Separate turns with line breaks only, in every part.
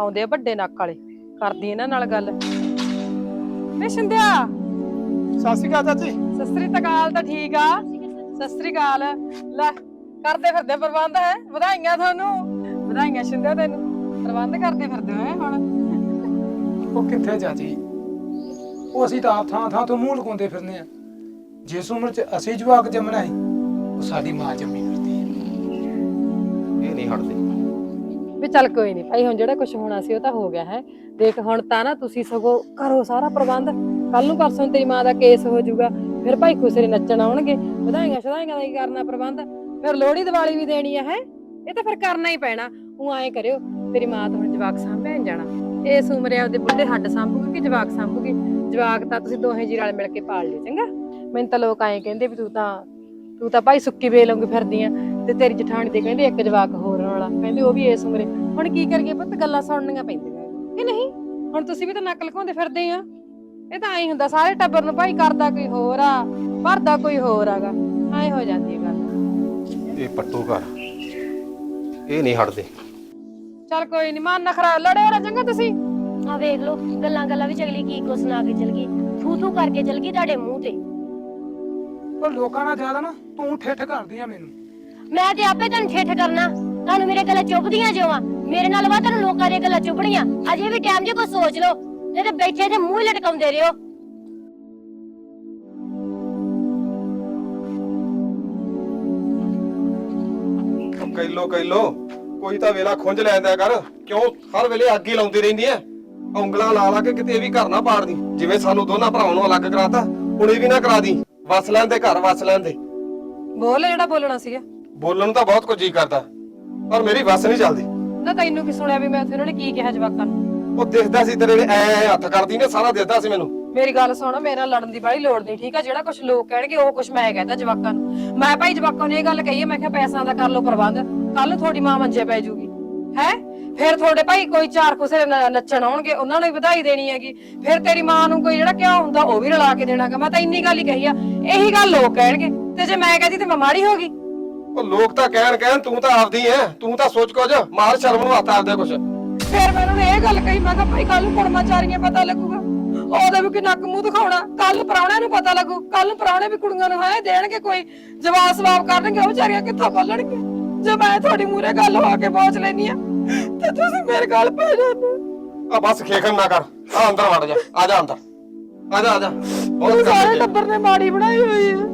ਆਉਂਦੇ ਆ ਵੱਡੇ ਨੱਕ ਵਾਲੇ, ਕਰਦੀ ਇਹਨਾਂ ਨਾਲ ਗੱਲ। ਵੇ ਸ਼ਿੰਦਿਆ,
ਸਤਿ ਸ਼੍ਰੀ ਅਕਾਲ ਚਾਚੀ।
ਸਤਿ ਸ੍ਰੀ ਅਕਾਲ। ਤਾਂ ਠੀਕ ਆ, ਸਤਿ ਸ੍ਰੀ ਅਕਾਲ। ਲੈ ਕਰਦੇ ਫਿਰਦੇ ਪ੍ਰਬੰਧ ਹੈ, ਵਧਾਈਆਂ ਤੁਹਾਨੂੰ। ਵਧਾਈਆਂ ਸ਼ਿੰਦਿਆ, ਤੈਨੂੰ ਪ੍ਰਬੰਧ ਕਰਦੇ ਫਿਰਦੇ ਹੋ ਹੁਣ।
ਉਹ ਕਿੱਥੇ ਚਾਚੀ, ਉਹ ਅਸੀਂ ਤਾਂ ਆਪ ਥਾਂ ਥਾਂ ਤੋਂ ਮੂੰਹ ਲਗਾਉਂਦੇ ਫਿਰਨੇ ਆ। ਜਿਸ ਉਮਰ 'ਚ ਅਸੀਂ ਜਵਾਕ ਜੰਮਣਾ ਹੈ, ਉਹ ਸਾਡੀ ਮਾਂ ਜੰਮੀ ਫਿਰਦੀ ਹੈ। ਇਹ ਨਹੀਂ ਹਟਦੇ।
ਵੀ ਚੱਲ ਕੋਈ ਨਹੀਂ ਭਾਈ, ਹੁਣ ਜਿਹੜਾ ਕੁਝ ਹੋਣਾ ਸੀ ਉਹ ਤਾਂ ਹੋ ਗਿਆ ਹੈ। ਦੇਖ ਹੁਣ ਤਾਂ ਨਾ ਤੁਸੀਂ ਸਗੋਂ ਕਰੋ ਸਾਰਾ ਪ੍ਰਬੰਧ, ਕੱਲ ਨੂੰ ਪਰਸੋਂ ਤੇਰੀ ਮਾਂ ਦਾ ਕੇਸ ਹੋ ਜਾਊਗਾ, ਫਿਰ ਭਾਈ ਖੁਸਰੇ ਨੱਚਣ ਆਉਣਗੇ। ਵਧਾਈਆਂ ਸ਼ਧਾਈਆਂ ਦਾ ਕੀ ਕਰਨਾ ਪ੍ਰਬੰਧ, ਫਿਰ ਲੋਹੜੀ ਦੀਵਾਲੀ ਵੀ ਦੇਣੀ ਹੈ। ਇਹ ਤਾਂ ਫਿਰ ਕਰਨਾ ਹੀ ਪੈਣਾ। ਉਹ ਐਂ ਕਰਿਓ, ਤੇਰੀ ਮਾਂ ਤਾਂ ਹੁਣ ਜਵਾਕ ਸਾਂਭਿਆ ਜਾਣਾ, ਇਸ ਉਮਰੇ ਆਪਦੇ ਬੁੱਢੇ ਹੱਡ ਸਾਂਭੂਗੀ ਕਿ ਜਵਾਕ ਸਾਂਭੂਗੀ? ਜਵਾਕ ਤਾਂ ਤੁਸੀਂ ਦੋਹੇ ਜੀ ਰਲ ਮਿਲ ਕੇ ਪਾਲ ਲਿਓ, ਚੰਗਾ। ਮੈਨੂੰ ਤਾਂ ਲੋਕ ਐਂ ਕਹਿੰਦੇ ਵੀ ਤੂੰ ਤਾਂ ਭਾਈ ਸੁੱਕੀ ਵੇਲੋਂਗੀ ਫਿਰਦੀ ਆ, ਤੇ ਤੇਰੀ ਜਠਾਣੀ ਦੇ ਕਹਿੰਦੇ ਇੱਕ ਜਵਾਕ ਹੋਰ ਵਾਲਾ, ਕਹਿੰਦੇ ਉਹ ਵੀ ਇਸ ਉਮਰੇ। ਹੁਣ ਕੀ ਕਰੀਏ ਪੁੱਤ, ਗੱਲਾਂ ਸੁਣਨੀਆਂ ਪੈਂਦੀਆਂ ਕਿ ਨਹੀਂ? ਹੁਣ ਤੁਸੀਂ ਵੀ ਤਾਂ ਨੱਕ ਲਗਾਉਂਦੇ ਫਿਰਦੇ ਆ। ਇਹ ਤਾਂ ਐਂ ਹੁੰਦਾ, ਸਾਰੇ ਟੱਬਰ ਨੂੰ ਭਾਈ ਕਰਦਾ ਕੋਈ ਹੋਰ ਆ, ਭਰਦਾ ਕੋਈ ਹੋਰ ਆਗਾ, ਐਂ ਹੋ ਜਾਂਦੀ ਹੈ ਗੱਲ।
ਇਹ ਪੱਟੂ ਘਰ, ਇਹ ਨਹੀਂ ਹਟਦੇ।
ਚੱਲ ਕੋਈ ਨੀ, ਮਨ ਨਾ ਖਰਾਬ, ਲੜਿਓ ਨਾ ਚੰਗਾ ਤੁਸੀਂ।
ਆ ਵੇਖ ਲੋ, ਗੱਲਾਂ ਵਿੱਚ ਅਗਲੀ ਕੀ ਕੁਛ ਸੁਣਾ ਕੇ ਚਲ ਗਈ, ਥੂ ਥੂ ਕਰਕੇ ਚਲ ਗਈ ਤੁਹਾਡੇ ਮੂੰਹ ਤੇ।
ਉਹ ਲੋਕਾਂ ਨਾਲ ਜ਼ਿਆਦਾ ਨਾ ਤੂੰ ਠੇਠ ਕਰਦੀ ਆ ਮੈਨੂੰ।
ਮੈਂ ਤੇ ਆਪੇ ਤੈਨੂੰ ਠੇਠ ਕਰਨਾ, ਤੁਹਾਨੂੰ ਮੇਰੇ ਗੱਲਾਂ ਚੁੱਭਦੀਆਂ ਜਿਉਂ। ਮੇਰੇ ਨਾਲ ਵਾ ਤੁਹਾਨੂੰ ਲੋਕਾਂ ਦੀਆਂ ਗੱਲਾਂ ਚੁੱਭਣੀਆਂ। ਅਜੇ ਵੀ ਟਾਈਮ ਜੇ ਕੋਈ ਸੋਚ ਲਓ, ਨਹੀਂ ਤੇ ਬੈਠੇ ਤੇ ਮੂੰਹ ਹੀ ਲਟਕਾਉਂਦੇ ਰਹੋ।
ਕਹਿ ਲੋ ਕੋਈ ਤਾਂ ਵੇਲਾ ਖੁੰਝ ਲੈਂਦਾ ਕਰ, ਕਿਉਂ ਹਰ ਵੇਲੇ ਅੱਗ ਹੀ ਲਾਉਂਦੀ ਰਹਿੰਦੀ ਐ? ਉਂਗਲਾਂ ਲਾ ਕੇ ਕਿਤੇ ਇਹ ਵੀ ਘਰ ਨਾ ਪਾੜਦੀ। ਜਿਵੇਂ ਸਾਨੂੰ ਦੋਨਾਂ ਭਰਾਵਾਂ ਨੂੰ ਅਲੱਗ ਕਰਾਤਾ, ਹੁਣ ਇਹ ਵੀ ਨਾ ਕਰਾ ਦੀ। ਵਸ ਲੈਣ ਦੇ ਘਰ, ਵਸ ਲੈਣ ਦੇ।
ਬੋਲ ਜਿਹੜਾ ਬੋਲਣਾ ਸੀਗਾ।
ਬੋਲਣ ਨੂੰ ਤਾਂ ਬਹੁਤ ਕੁਝ ਜੀ ਕਰਦਾ, ਪਰ ਮੇਰੀ ਵਸ ਨਹੀਂ ਚੱਲਦੀ।
ਨਾ ਤੈਨੂੰ ਕੀ ਸੁਣਿਆ ਵੀ ਮੈਂ ਉਹਨਾਂ ਨੇ ਕੀ ਕਿਹਾ ਜਵਾਕਾਂ ਨੂੰ?
ਉਹ ਦਿਖਦਾ ਸੀ ਤੇਰੇ ਐ ਹੱਥ ਕਰਦੀ ਨੇ, ਸਾਰਾ ਦਿਖਦਾ ਸੀ ਮੈਨੂੰ।
ਮੇਰੀ ਗੱਲ ਸੁਣ, ਮੇਰੇ ਨਾਲ ਲੜਨ ਦੀ ਬੜੀ ਲੋੜ ਨਹੀਂ, ਠੀਕ ਆ? ਜਿਹੜਾ ਕੁਝ ਲੋਕ ਕਹਿਣਗੇ ਉਹ ਕੁਝ ਮੈਂ ਕਹਿੰਦਾ ਜਵਾਕਾਂ ਨੂੰ। ਮੈਂ ਭਾਈ ਜਵਾਕਾਂ ਨੂੰ ਇਹ ਗੱਲ ਕਹੀ ਹੈ, ਮੈਂ ਕਿਹਾ ਪੈਸਿਆਂ ਦਾ ਕਰ ਲਓ ਪ੍ਰਬੰਧ, ਕੱਲ ਨੂੰ ਤੁਹਾਡੀ ਮਾਂ ਮੰਜੇ ਪੈ ਜੂਗੀ ਹੈ। ਫਿਰ ਤੁਹਾਡੇ ਭਾਈ ਕੋਈ ਚਾਰ ਖੁਸਰੇ ਨੱਚਣ ਆਉਣਗੇ, ਉਹਨਾਂ ਨੂੰ ਵੀ ਵਧਾਈ ਦੇਣੀ ਹੈਗੀ। ਫਿਰ ਤੇਰੀ ਮਾਂ ਨੂੰ ਕੋਈ ਜਿਹੜਾ ਕਿਉਂ ਹੁੰਦਾ ਉਹ ਵੀ ਰਲਾ ਕੇ ਦੇਣਾਗਾ। ਮੈਂ ਤਾਂ ਇੰਨੀ ਗੱਲ ਹੀ ਕਹੀ ਆ, ਇਹੀ ਗੱਲ ਲੋਕ ਕਹਿਣਗੇ, ਤੇ ਜੇ ਮੈਂ ਕਹਦੀ ਤੇ ਮੈਂ ਮਾੜੀ ਹੋ ਗਈ।
ਉਹ ਲੋਕ ਤਾਂ ਕਹਿਣ ਤੂੰ ਤਾਂ ਆਪਦੀ ਐ, ਤੂੰ ਤਾਂ ਸੋਚ ਕੁਝ, ਮਾਰ ਸ਼ਰਮ ਨੂੰ ਹੱਥ ਆਪਦੇ ਕੁਛ।
ਫਿਰ ਮੈਂ ਉਹਨਾਂ ਨੂੰ ਇਹ ਗੱਲ ਕਹੀ, ਮੈਂ ਕਿਹਾ ਭਾਈ ਕੱਲ ਨੂੰ ਕੁੜਮਾਚਾਰੀਆਂ ਪਤਾ ਲੱਗੂਗਾ, ਉਹਦੇ ਵੀ ਕਿ ਨੱਕ ਮੂੰਹ ਦਿਖਾਉਣਾ। ਕੱਲ ਨੂੰ ਪ੍ਰਾਹੁਣਿਆਂ ਨੂੰ ਪਤਾ ਲੱਗੂ, ਕੱਲ ਨੂੰ ਪ੍ਰਾਹੁਣੇ ਵੀ ਕੁੜੀਆਂ ਨੂੰ ਹੈ ਦੇਣਗੇ, ਕੋਈ ਜਵਾਬ ਸਵਾਬ ਕਰਨਗੇ, ਉਹ ਵਿਚਾਰੀਆਂ ਕਿੱਥੋਂ ਬੋਲਣਗੇ? ਜੇ ਮੈਂ ਤੁਹਾਡੀ ਮੂਹਰੇ ਗੱਲ ਹੋ ਕੇ ਪਹੁੰਚ ਲੈਣੀ ਆ ਤੇ ਤੁਸੀਂ ਮੇਰੇ ਗੱਲ ਪੈ ਜਾਂਦੇ।
ਆ ਬਸ ਖੇਖਣ ਨਾ ਕਰ, ਆ ਅੰਦਰ ਵੜ ਜਾ, ਆ ਜਾ ਅੰਦਰ, ਆ ਜਾ ਆ ਜਾ। ਬਹੁਤ
ਸਾਰੇ ਟੱਬਰ ਨੇ ਮਾੜੀ ਬਣਾਈ ਹੋਈ ਹੈ।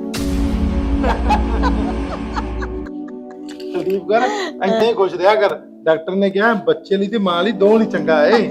ਸੰਦੀਪ ਕਰ ਐਂ ਹੀ ਖੁਸ਼ ਰਿਹਾ ਕਰ। ਡਾਕਟਰ ਨੇ ਕਿਹਾ ਬੱਚੇ ਲਈ ਤੇ ਮਾਂ ਲਈ ਦੋਵੇਂ ਲਈ ਚੰਗਾ ਏ।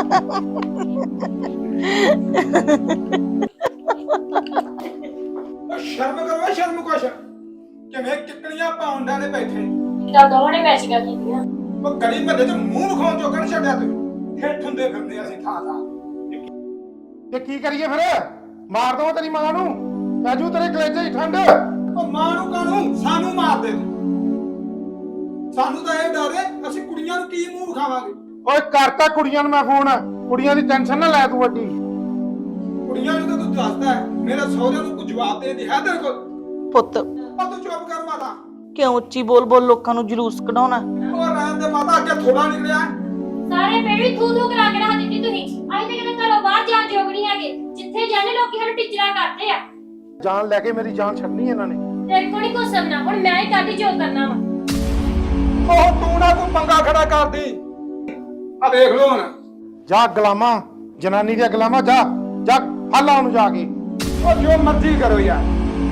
ਸ਼ਰਮ ਕਰੋ, ਸ਼ਰਮ ਕੁਛ। ਕਿਵੇਂ ਕਿੱਕਲੀਆਂ ਪਾਉਂਡਾਂ ਦੇ ਬੈਠੇ।
ਤਾਂ ਦੋਵਾਂ ਨੇ ਮੈਚਿੰਗਾਂ ਕੀਤੀਆਂ।
ਉਹ ਗਲੀ ਮੱਲੇ 'ਚ ਮੂੰਹ ਵਿਖਾਉਣ ਜੋਗਾ ਨੀ ਛੱਡਿਆ ਤੂੰ। ਠੇਠ ਹੁੰਦੇ ਫਿਰਦੇ ਅਸੀਂ ਥਾਂ ਥਾਂ।
ਤੇ ਕੀ ਕਰੀਏ ਫਿਰ? ਮਾਰ ਦਵਾਂ ਤੇਰੀ ਮਾਂ ਨੂੰ, ਰਾਜੂ ਤੇਰੇ ਕਲੇਜੇ ਹੀ ਠੰਡ।
ਉਹ ਮਾਂ ਨੂੰ ਕਾਹਨੂੰ, ਸਾਨੂੰ ਮਾਰ ਦੇ ਤੂੰ। ਸਾਨੂੰ ਤਾਂ ਇਹ ਡਰ ਹੈ, ਅਸੀਂ ਕੁੜੀਆਂ ਨੂੰ ਕੀ ਮੂੰਹ ਵਿਖਾਵਾਂਗੇ?
ਓਏ ਕਰਤਾ ਕੁੜੀਆਂ ਨੂੰ ਮੈਂ ਫੋਨ, ਕੁੜੀਆਂ ਦੀ ਟੈਨਸ਼ਨ ਨਾ ਲੈ ਤੂੰ ਵੱਡੀ।
ਕੁੜੀਆਂ ਨੂੰ ਤਾਂ ਤੂੰ ਦੱਸਦਾ ਹੈ, ਮੇਰੇ ਸਹੁਰਿਆਂ ਨੂੰ ਕੋਈ ਜਵਾਬ ਦੇ ਦੀ ਹੈ ਤੇਰੇ ਕੋਲ?
ਪੁੱਤ
ਉਹ ਤੂੰ ਚੁੱਪ ਕਰ ਮਾਤਾ।
ਕਿਉਂ ਉੱਚੀ ਬੋਲ ਲੋਕਾਂ ਨੂੰ ਜਲੂਸ ਕਢਾਉਣਾ?
ਉਹ ਰਹਿਣ ਦੇ ਮਾਤਾ, ਅੱਗੇ ਥੋੜਾ ਨਿਕਲਿਆ।
ਸਾਰੇ ਪਿੰਡ ਵੀ ਥੂ ਥੂ ਕਰਾ ਕੇ ਰੱਖ ਦਿੱਤੀ ਤੁਸੀਂ। ਅਸੀਂ ਤੇ ਕਿਤੇ ਘਰੋਂ ਬਾਹਰ ਜਾਣ ਜੋਗ ਨਹੀਂ ਹੈਗੇ, ਜਿੱਥੇ ਜਾਂਦੇ ਲੋਕੀ ਸਾਨੂੰ ਟਿਚਰਾ ਕਰਦੇ ਆ।
ਜਾਨ ਲੈ ਕੇ ਮੇਰੀ ਜਾਨ ਛੱਡਣੀ ਇਹਨਾਂ ਨੇ।
ਤੇਰੇ ਕੋਲ ਨਹੀਂ ਕੁਛ ਸਮਝਣਾ, ਹੁਣ ਮੈਂ ਹੀ ਕਰਦੀ ਜੋ ਕਰਨਾ ਵਾ।
ਉਹ ਤੂੰ ਨਾ ਕੋਈ ਪੰਗਾ ਖੜਾ ਕਰਦੀ। ਆ ਵੇਖ ਲੋ ਹੁਣ।
ਜਾ ਗੁਲਾਮਾ, ਜਨਾਨੀ ਦੀਆਂ ਗੁਲਾਮਾ, ਜਾ ਜਾ ਫਾਲਾ ਉਹਨੂੰ ਜਾ ਕੇ।
ਉਹ ਜੋ ਮਰਜ਼ੀ ਕਰੋ ਯਾਰ।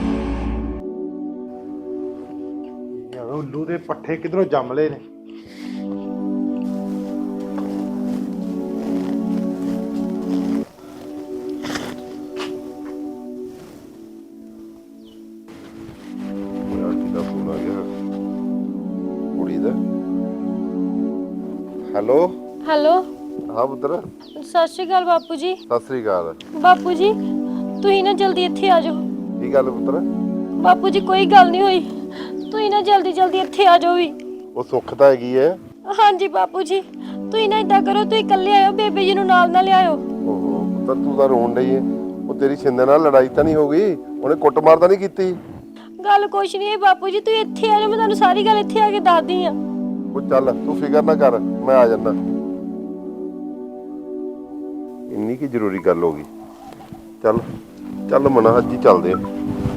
ਯਾਰ ਉੱਲੂ ਦੇ ਪੱਠੇ ਕਿਧਰੋਂ ਜੰਮ ਲਏ ਨੇ।
ਹੈਲੋ
ਹੈਲੋ,
ਹਾਂ ਪੁੱਤਰ।
ਸਤਿ ਸ਼੍ਰੀ ਅਕਾਲ ਬਾਪੂ ਜੀ।
ਸਤਿ ਸ੍ਰੀ ਅਕਾਲ।
ਬਾਪੂ ਜੀ ਤੁਸੀਂ ਨਾ ਜਲਦੀ ਇੱਥੇ ਆ ਜਾਓ।
ਕੀ ਗੱਲ ਪੁੱਤਰ?
ਬਾਪੂ ਜੀ ਕੋਈ ਗੱਲ ਨਹੀਂ ਹੋਈ, ਤੁਸੀਂ ਨਾ ਜਲਦੀ ਇੱਥੇ ਆ ਜਾਓ ਵੀ।
ਉਹ ਸੁੱਖ ਤਾਂ ਹੈਗੀ ਐ।
ਹਾਂਜੀ ਬਾਪੂ ਜੀ, ਤੁਸੀਂ ਨਾ ਇਦਾਂ ਕਰੋ, ਤੁਸੀਂ ਇਕੱਲੇ ਆਇਓ, ਬੇਬੇ ਜੀ ਨੂੰ ਨਾਲ ਨਾ ਲਿਆਇਓ।
ਓਹੋ ਪੁੱਤਰ, ਤੂੰ ਤਾਂ ਰੋਣ ਡਈ ਐ। ਉਹ ਤੇਰੀ ਛਿੰਦੇ ਨਾਲ ਲੜਾਈ ਤਾਂ ਨਹੀਂ ਹੋ ਗਈ? ਉਹਨੇ ਕੁੱਟਮਾਰ ਤਾਂ ਨਹੀਂ ਕੀਤੀ?
ਗੱਲ ਕੁਛ ਨਹੀਂ ਹੈ ਬਾਪੂ ਜੀ, ਤੁਸੀਂ ਇੱਥੇ ਆ ਜਾਓ, ਮੈਂ ਤੁਹਾਨੂੰ ਸਾਰੀ ਗੱਲ ਇੱਥੇ ਆ ਕੇ ਦੱਸਦੀ ਆ।
ਉਹ ਚੱਲ ਤੂੰ ਫਿਕਰ ਨਾ ਕਰ, ਮੈਂ ਆ ਜਾਂਦਾ।
ਇੰਨੀ ਕੀ ਜ਼ਰੂਰੀ ਗੱਲ ਹੋ ਗਈ। ਚੱਲ ਚੱਲ ਮਨਾ, ਅੱਜ ਹੀ ਚੱਲਦੇ ਆ।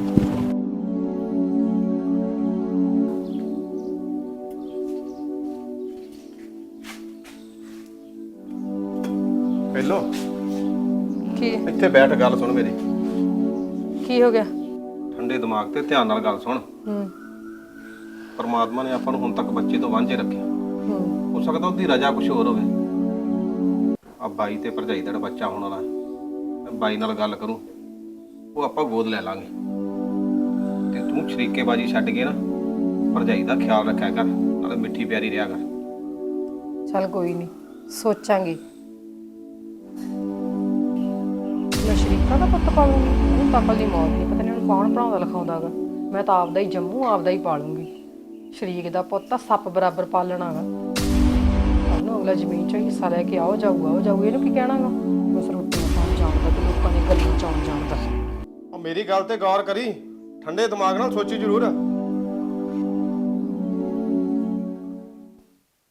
ਪਹਿਲੋ
ਕੀ
ਇੱਥੇ ਬੈਠ, ਗੱਲ ਸੁਣ ਮੇਰੀ।
ਕੀ ਹੋ ਗਿਆ?
ਠੰਡੇ ਦਿਮਾਗ ਤੇ ਧਿਆਨ ਨਾਲ ਗੱਲ ਸੁਣ। ਪਰਮਾਤਮਾ ਨੇ ਆਪਾਂ ਨੂੰ ਹੁਣ ਤੱਕ ਬੱਚੇ ਤੋਂ ਵਾਂਝੇ ਰੱਖਿਆ। ਹੋ ਸਕਦਾ ਉਹਦੀ ਰਜ਼ਾ ਕੁਝ ਹੋਰ ਹੋਵੇ। ਆ ਬਾਈ ਤੇ ਭਰਜਾਈ ਦਾ ਬੱਚਾ ਹੋਣ ਵਾਲਾ, ਮੈਂ ਬਾਈ ਨਾਲ ਗੱਲ ਕਰੂੰ, ਉਹ ਆਪਾਂ ਗੋਦ ਲੈ ਲਾਂਗੇ। ਤੇ ਤੂੰ ਸ਼ਰੀਕੇਬਾਜੀ ਛੱਡ ਕੇ ਨਾ ਭਰਜਾਈ ਦਾ ਖਿਆਲ ਰੱਖਿਆ ਕਰ, ਨਾਲੇ ਮਿੱਠੀ ਪਿਆਰੀ ਰਿਹਾ ਕਰ।
ਚੱਲ ਕੋਈ ਨਹੀਂ, ਸੋਚਾਂਗੇ। ਮੈਂ ਸ਼ਰੀਕਾ ਦਾ ਪੁੱਤ ਪਾਲੂੰਗੀ? ਉਹਨੂੰ ਤਕਲ ਦੀ ਮੌਤ ਨਹੀਂ, ਪਤਾ ਨਹੀਂ ਉਹਨੂੰ ਕੌਣ ਪੜਾਉਂਦਾ ਲਿਖਾਉਂਦਾਗਾ। ਮੈਂ ਤਾਂ ਆਪਦਾ ਹੀ ਜੰਮੂ, ਆਪਦਾ ਹੀ ਪਾਲੂੰਗੀ। ਸ਼ਰੀਕ ਦਾ ਪੁੱਤ ਤਾਂ ਸੱਪ ਬਰਾਬਰ ਪਾਲਣਾਗਾ। ਉਹਨੂੰ ਅਗਲਾ ਜ਼ਮੀਨ 'ਚ ਹਿੱਸਾ ਲੈ ਕੇ ਆਓ ਜਾਊਗਾ, ਇਹਨੂੰ ਕੀ ਕਹਿਣਾਗਾ? ਬਸ ਰੋਟੀਆਂ ਖਾਣ ਜਾਣਦਾ ਤੇ ਲੋਕਾਂ ਨੇ ਗੱਲਾਂ ਚਾਉਣ ਜਾਣਦਾ।
ਮੇਰੀ ਗੱਲ ਤੇ ਗੌਰ ਕਰੀ, ਠੰਡੇ ਦਿਮਾਗ ਨਾਲ ਸੋਚੀ ਜ਼ਰੂਰ।